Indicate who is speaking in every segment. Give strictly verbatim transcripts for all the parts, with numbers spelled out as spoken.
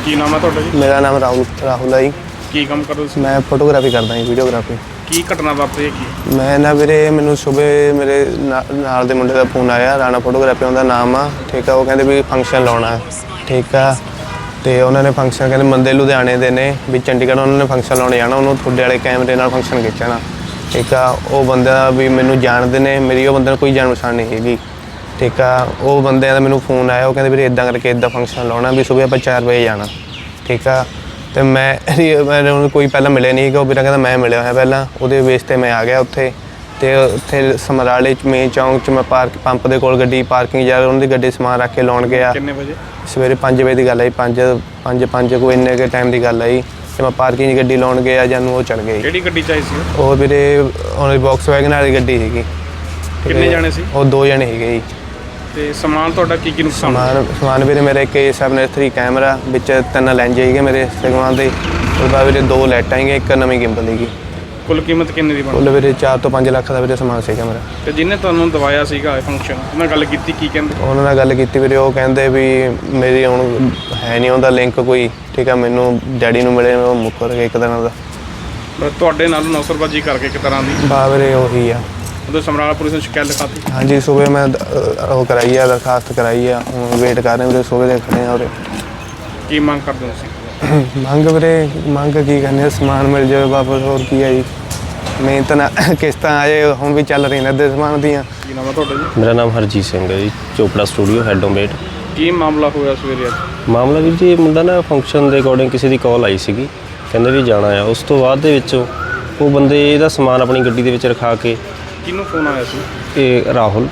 Speaker 1: ਕੀ ਨਾਮ ਹੈ ਤੁਹਾਡਾ ਜੀ?
Speaker 2: ਮੇਰਾ ਨਾਮ ਰਾਹੁਲ ਰਾਹੁਲ ਹੈ ਜੀ।
Speaker 1: ਕੀ ਕੰਮ ਕਰਦੇ ਤੁਸੀਂ?
Speaker 2: ਮੈਂ ਫੋਟੋਗ੍ਰਾਫੀ ਕਰਦਾ ਜੀ, ਵੀਡੀਓਗ੍ਰਾਫੀ।
Speaker 1: ਕੀ ਘਟਨਾ ਵਾਪਰੀ ਹੈ ਕੀ?
Speaker 2: ਮੈਂ ਨਾ ਵੀਰੇ ਮੈਨੂੰ ਸਵੇਰੇ ਮੇਰੇ ਨਾਲ ਦੇ ਮੁੰਡੇ ਦਾ ਫੋਨ ਆਇਆ, ਰਾਣਾ ਫੋਟੋਗ੍ਰਾਫੀ ਉਹਦਾ ਨਾਮ ਆ, ਠੀਕ ਆ। ਉਹ ਕਹਿੰਦੇ ਵੀ ਫੰਕਸ਼ਨ ਲਾਉਣਾ, ਠੀਕ ਆ। ਤੇ ਉਹਨਾਂ ਨੇ ਫੰਕਸ਼ਨ ਕਹਿੰਦੇ ਬੰਦੇ ਲੁਧਿਆਣੇ ਦੇ ਨੇ ਵੀ ਚੰਡੀਗੜ੍ਹ ਉਹਨਾਂ ਨੇ ਫੰਕਸ਼ਨ ਲਾਉਣ ਜਾਣਾ, ਉਹਨੂੰ ਤੁਹਾਡੇ ਵਾਲੇ ਕੈਮਰੇ ਨਾਲ ਫੰਕਸ਼ਨ ਖਿੱਚਣਾ, ਠੀਕ ਆ। ਉਹ ਬੰਦਾ ਵੀ ਮੈਨੂੰ ਜਾਣਦੇ ਨੇ, ਮੇਰੀ ਉਹ ਬੰਦੇ ਨਾਲ ਕੋਈ ਜਾਣ ਪਛਾਣ ਨਹੀਂ ਹੈਗੀ, ਠੀਕ ਆ। ਉਹ ਬੰਦਿਆਂ ਦਾ ਮੈਨੂੰ ਫੋਨ ਆਇਆ, ਉਹ ਕਹਿੰਦੇ ਵੀਰੇ ਇੱਦਾਂ ਕਰਕੇ ਇੱਦਾਂ ਫੰਕਸ਼ਨ ਲਾਉਣਾ ਵੀ ਸੁਬਹ ਆਪਾਂ ਚਾਰ ਵਜੇ ਜਾਣਾ, ਠੀਕ ਆ। ਅਤੇ ਮੈਂ ਮੈਂ ਉਹਨੂੰ ਕੋਈ ਪਹਿਲਾਂ ਮਿਲਿਆ ਨਹੀਂ ਹੈਗਾ। ਉਹ ਵੀਰਾ ਕਹਿੰਦਾ ਮੈਂ ਮਿਲਿਆ ਹੋਇਆ ਪਹਿਲਾਂ, ਉਹਦੇ ਬੇਸ 'ਤੇ ਮੈਂ ਆ ਗਿਆ ਉੱਥੇ। ਅਤੇ ਉੱਥੇ ਸਮਰਾਲੇ 'ਚ ਮੇਨ ਚੌਂਕ 'ਚ ਮੈਂ ਪਾਰਕ ਪੰਪ ਦੇ ਕੋਲ ਗੱਡੀ ਪਾਰਕਿੰਗ ਜਾ ਉਹਨਾਂ ਦੀ ਗੱਡੀ ਸਮਾਨ ਰੱਖ ਕੇ ਲਾਉਣ ਗਿਆ।
Speaker 1: ਕਿੰਨੇ ਵਜੇ? ਸਵੇਰੇ
Speaker 2: ਪੰਜ ਵਜੇ ਦੀ ਗੱਲ ਹੈ ਜੀ, ਪੰਜ ਪੰਜ ਪੰਜ ਕੋਈ ਇੰਨੇ ਕੁ ਟਾਈਮ ਦੀ ਗੱਲ ਹੈ ਜੀ। ਅਤੇ ਮੈਂ ਪਾਰਕਿੰਗ 'ਚ ਗੱਡੀ ਲਾਉਣ ਗਿਆ ਜਾਨੂੰ ਉਹ ਚੜ੍ਹ ਗਏ।
Speaker 1: ਕਿਹੜੀ ਗੱਡੀ 'ਚ ਆਈ ਸੀ
Speaker 2: ਉਹ ਵੀਰੇ ਉਹਨਾਂ ਦੀ ਬਾਕਸ ਵੈਗਨ ਵਾਲੀ ਗੱਡੀ ਸੀਗੀ।
Speaker 1: ਕਿੰਨੇ ਜਾਣੇ ਸੀ? ਉਹ
Speaker 2: ਦੋ ਜਣੇ ਸੀਗੇ ਜੀ।
Speaker 1: ਅਤੇ ਸਮਾਨ ਤੁਹਾਡਾ ਕੀ ਕੀ ਨੁਕਸਾਨ?
Speaker 2: ਸਮਾਨ ਸਮਾਨ ਵੀਰੇ ਮੇਰੇ ਇੱਕ ਏ ਸੈਵਨ ਥਰੀ ਕੈਮਰਾ ਵਿੱਚ ਤਿੰਨ ਲੈਂਜ ਸੀਗੇ ਮੇਰੇ ਸਗਵਾਨ ਦੇ। ਉਸ ਤੋਂ ਬਾਅਦ ਵੀਰੇ ਦੋ ਲਾਈਟਾਂ ਸੀਗੀਆਂ, ਇੱਕ ਨਵੀਂ ਗਿੰਬਲ ਸੀਗੀ।
Speaker 1: ਕੁੱਲ ਕੀਮਤ ਕਿੰਨੇ ਦੀ ਬਣੀ?
Speaker 2: ਕੁੱਲ ਵੀਰੇ ਚਾਰ ਤੋਂ ਪੰਜ ਲੱਖ ਦਾ ਵੀਰੇ ਸਮਾਨ ਸੀਗਾ ਮੇਰਾ।
Speaker 1: ਅਤੇ ਜਿਹਨੇ ਤੁਹਾਨੂੰ ਦਵਾਇਆ ਸੀਗਾ ਫੰਕਸ਼ਨ, ਉਹਨਾਂ ਗੱਲ ਕੀਤੀ ਕੀ ਕਹਿੰਦੇ?
Speaker 2: ਉਹਨਾਂ ਨਾਲ ਗੱਲ ਕੀਤੀ ਵੀਰੇ, ਉਹ ਕਹਿੰਦੇ ਵੀ ਮੇਰੀ ਹੁਣ ਹੈ ਨਹੀਂ ਉਹਦਾ ਲਿੰਕ ਕੋਈ, ਠੀਕ ਆ। ਮੈਨੂੰ ਡੈਡੀ ਨੂੰ ਮਿਲੇ, ਉਹ ਮੁੱਕਰ ਗਏ ਇੱਕ ਦਿਨ ਦਾ।
Speaker 1: ਤੁਹਾਡੇ ਨਾਲ ਨੌਸਰਬਾਜੀ ਕਰਕੇ ਇੱਕ ਤਰ੍ਹਾਂ ਦੀ?
Speaker 2: ਬਾ ਵੀਰੇ ਉਹੀ ਆ।
Speaker 1: ਉਦੋਂ ਸਮਰਾਲਾ ਪੁਲਿਸ ਨੂੰ ਸ਼ਿਕਾਇਤ ਲਿਖਾਤੀ?
Speaker 2: ਹਾਂਜੀ, ਸੁਬਹ ਮੈਂ ਉਹ ਕਰਾਈ ਆ, ਦਰਖਾਸਤ ਕਰਾਈ ਆ। ਹੁਣ ਵੇਟ ਕਰ ਰਹੇ ਵੀਰੇ, ਸੁਬਹ ਦੇ ਖੜੇ ਆ ਉਰੇ।
Speaker 1: ਕੀ ਮੰਗ ਕਰਦੇ ਹੋ ਤੁਸੀਂ?
Speaker 2: ਮੰਗ ਵੀਰੇ ਮੰਗ ਕੀ ਕਰਨੀ, ਸਮਾਨ ਮਿਲ ਜਾਵੇ ਵਾਪਸ, ਹੋਰ ਕੀ ਹੈ ਜੀ। ਮਿਹਨਤ ਨਾਲ ਕਿਸ਼ਤਾਂ ਆਏ ਹੁਣ ਵੀ ਚੱਲ ਰਹੀਆਂ ਨੇ ਅੱਧੇ ਸਮਾਨ ਦੀਆਂ।
Speaker 1: ਕੀ ਨਾਮ ਹੈ ਤੁਹਾਡਾ ਜੀ?
Speaker 3: ਮੇਰਾ ਨਾਮ ਹਰਜੀਤ ਸਿੰਘ ਹੈ ਜੀ, ਚੋਪੜਾ ਸਟੂਡੀਓ ਹੈਡ ਓਮੇਟ।
Speaker 1: ਕੀ ਮਾਮਲਾ ਹੋਇਆ ਸਵੇਰੇ ਅੱਜ?
Speaker 3: ਮਾਮਲਾ ਵੀਰ ਜੀ, ਮੁੰਡਾ ਨਾ ਫੰਕਸ਼ਨ ਦੇ ਅਕੋਰਡਿੰਗ ਕਿਸੇ ਦੀ ਕਾਲ ਆਈ ਸੀਗੀ, ਕਹਿੰਦੇ ਵੀ ਜਾਣਾ ਆ। ਉਸ ਤੋਂ ਬਾਅਦ ਦੇ ਵਿੱਚ ਉਹ ਬੰਦੇ ਇਹਦਾ ਸਮਾਨ ਆਪਣੀ ਗੱਡੀ ਦੇ ਵਿੱਚ ਰਖਾ ਕੇ।
Speaker 1: ਕਿਹਨੂੰ ਫੋਨ ਆਇਆ ਸੀ?
Speaker 3: ਇਹ ਰਾਹੁਲ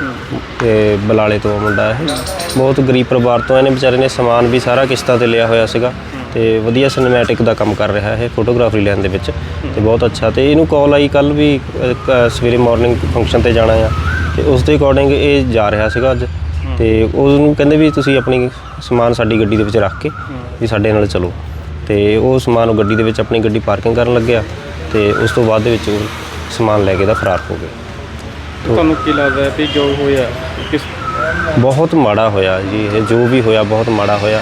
Speaker 3: ਤੇ ਬਲਾਲੇ ਤੋਂ ਮੁੰਡਾ, ਇਹ ਬਹੁਤ ਗਰੀਬ ਪਰਿਵਾਰ ਤੋਂ। ਇਹਨੇ ਵਿਚਾਰੇ ਨੇ ਸਮਾਨ ਵੀ ਸਾਰਾ ਕਿਸ਼ਤਾਂ 'ਤੇ ਲਿਆ ਹੋਇਆ ਸੀਗਾ ਅਤੇ ਵਧੀਆ ਸਿਨੇਮੈਟਿਕ ਦਾ ਕੰਮ ਕਰ ਰਿਹਾ ਇਹ ਫੋਟੋਗ੍ਰਾਫਰੀ ਲੈਣ ਦੇ ਵਿੱਚ, ਅਤੇ ਬਹੁਤ ਅੱਛਾ। ਅਤੇ ਇਹਨੂੰ ਕਾਲ ਆਈ ਕੱਲ੍ਹ ਵੀ ਸਵੇਰੇ ਮੋਰਨਿੰਗ ਫੰਕਸ਼ਨ 'ਤੇ ਜਾਣਾ ਆ, ਅਤੇ ਉਸ ਦੇ ਅਕੋਰਡਿੰਗ ਇਹ ਜਾ ਰਿਹਾ ਸੀਗਾ ਅੱਜ। ਅਤੇ ਉਹਨੂੰ ਕਹਿੰਦੇ ਵੀ ਤੁਸੀਂ ਆਪਣੀ ਸਮਾਨ ਸਾਡੀ ਗੱਡੀ ਦੇ ਵਿੱਚ ਰੱਖ ਕੇ ਵੀ ਸਾਡੇ ਨਾਲ ਚਲੋ। ਅਤੇ ਉਹ ਸਮਾਨ ਉਹ ਗੱਡੀ ਦੇ ਵਿੱਚ ਆਪਣੀ ਗੱਡੀ ਪਾਰਕਿੰਗ ਕਰਨ ਲੱਗਿਆ, ਅਤੇ ਉਸ ਤੋਂ ਬਾਅਦ ਦੇ ਵਿੱਚ ਉਹ ਸਮਾਨ ਲੈ ਕੇ ਦਾ ਫਰਾਰ ਹੋ ਗਏ।
Speaker 1: ਤੁਹਾਨੂੰ ਕੀ ਲੱਗਦਾ ਹੈ ਵੀ ਜੋ ਹੋਇਆ ਕਿਸ?
Speaker 3: ਬਹੁਤ ਮਾੜਾ ਹੋਇਆ ਜੀ, ਇਹ ਜੋ ਵੀ ਹੋਇਆ ਬਹੁਤ ਮਾੜਾ ਹੋਇਆ।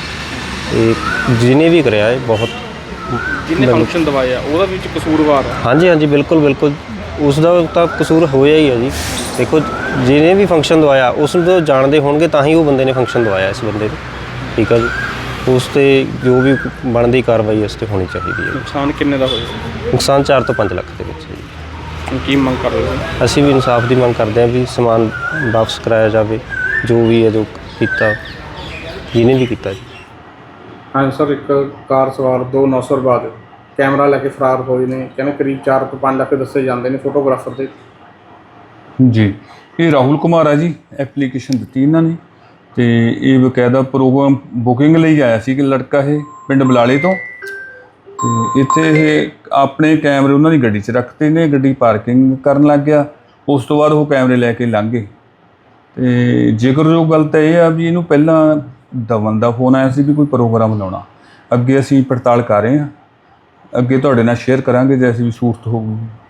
Speaker 3: ਇਹ ਜਿਹਨੇ ਵੀ ਕਰਿਆ ਇਹ ਬਹੁਤ,
Speaker 1: ਜਿਹਨੇ ਫੰਕਸ਼ਨ ਦਵਾਇਆ ਉਹਦਾ ਵਿੱਚ ਕਸੂਰਵਾਰ ਹੈ।
Speaker 3: ਹਾਂਜੀ ਹਾਂਜੀ, ਬਿਲਕੁਲ ਬਿਲਕੁਲ ਉਸ ਦਾ ਤਾਂ ਕਸੂਰ ਹੋਇਆ ਹੀ ਹੈ ਜੀ। ਦੇਖੋ, ਜਿਹਨੇ ਵੀ ਫੰਕਸ਼ਨ ਦਵਾਇਆ ਉਸ ਨੂੰ ਤਾਂ ਜਾਣਦੇ ਹੋਣਗੇ, ਤਾਂ ਹੀ ਉਹ ਬੰਦੇ ਨੇ ਫੰਕਸ਼ਨ ਦਵਾਇਆ ਇਸ ਬੰਦੇ ਨੂੰ, ਠੀਕ ਆ ਜੀ। ਉਸ 'ਤੇ ਜੋ ਵੀ ਬਣਦੀ ਕਾਰਵਾਈ ਉਸ 'ਤੇ ਹੋਣੀ ਚਾਹੀਦੀ ਹੈ।
Speaker 1: ਨੁਕਸਾਨ ਕਿੰਨੇ ਦਾ ਹੋਇਆ?
Speaker 3: ਨੁਕਸਾਨ ਚਾਰ ਤੋਂ ਪੰਜ ਲੱਖ ਦੇ ਵਿੱਚ ਜੀ।
Speaker 1: ਕੀ ਮੰਗ ਕਰ ਰਹੇ ਹੋ?
Speaker 3: ਅਸੀਂ ਵੀ ਇਨਸਾਫ ਦੀ ਮੰਗ ਕਰਦੇ ਹਾਂ ਵੀ ਸਮਾਨ ਵਾਪਸ ਕਰਾਇਆ ਜਾਵੇ, ਜੋ ਵੀ ਹੈ ਜੋ ਕੀਤਾ ਜਿਹਨੇ ਵੀ ਕੀਤਾ ਜੀ।
Speaker 1: ਹਾਂਜੀ ਸਰ, ਇੱਕ ਕਾਰ ਸਵਾਰ ਦੋ ਨੌਸਰਬਾਜ਼ ਕੈਮਰਾ ਲੈ ਕੇ ਫਰਾਰ ਹੋਏ ਨੇ, ਕਹਿੰਦੇ ਕਰੀਬ ਚਾਰ ਤੋਂ ਪੰਜ ਲੱਖ ਦੱਸੇ ਜਾਂਦੇ ਨੇ ਫੋਟੋਗ੍ਰਾਫਰ ਦੇ।
Speaker 4: ਜੀ, ਇਹ ਰਾਹੁਲ ਕੁਮਾਰ ਆ ਜੀ। ਐਪਲੀਕੇਸ਼ਨ ਦਿੱਤੀ ਇਹਨਾਂ ਨੇ ਅਤੇ ਇਹ ਬਕਾਇਦਾ ਪ੍ਰੋਗਰਾਮ ਬੁਕਿੰਗ ਲਈ ਆਇਆ ਸੀ ਕਿ ਲੜਕਾ ਇਹ ਪਿੰਡ ਬਲਾਲੇ ਤੋਂ। ਅਤੇ ਇੱਥੇ ਇਹ ਆਪਣੇ ਕੈਮਰੇ ਉਹਨਾਂ ਦੀ ਗੱਡੀ 'ਚ ਰੱਖਤੇ ਨੇ, ਗੱਡੀ ਪਾਰਕਿੰਗ ਕਰਨ ਲੱਗ ਗਿਆ। ਉਸ ਤੋਂ ਬਾਅਦ ਉਹ ਕੈਮਰੇ ਲੈ ਕੇ ਲੰਘ ਗਏ। ਅਤੇ ਜ਼ਿਕਰਯੋਗ ਗੱਲ ਤਾਂ ਇਹ ਆ ਵੀ ਇਹਨੂੰ ਪਹਿਲਾਂ ਦਵਨ ਦਾ ਫੋਨ ਆਇਆ ਸੀ ਵੀ ਕੋਈ ਪ੍ਰੋਗਰਾਮ ਲਾਉਣਾ। ਅੱਗੇ ਅਸੀਂ ਪੜਤਾਲ ਕਰ ਰਹੇ ਹਾਂ, ਅੱਗੇ ਤੁਹਾਡੇ ਨਾਲ ਸ਼ੇਅਰ ਕਰਾਂਗੇ ਜੇ ਅਸੀਂ ਵੀ ਸੂਰਤ ਹੋਊਗੀ।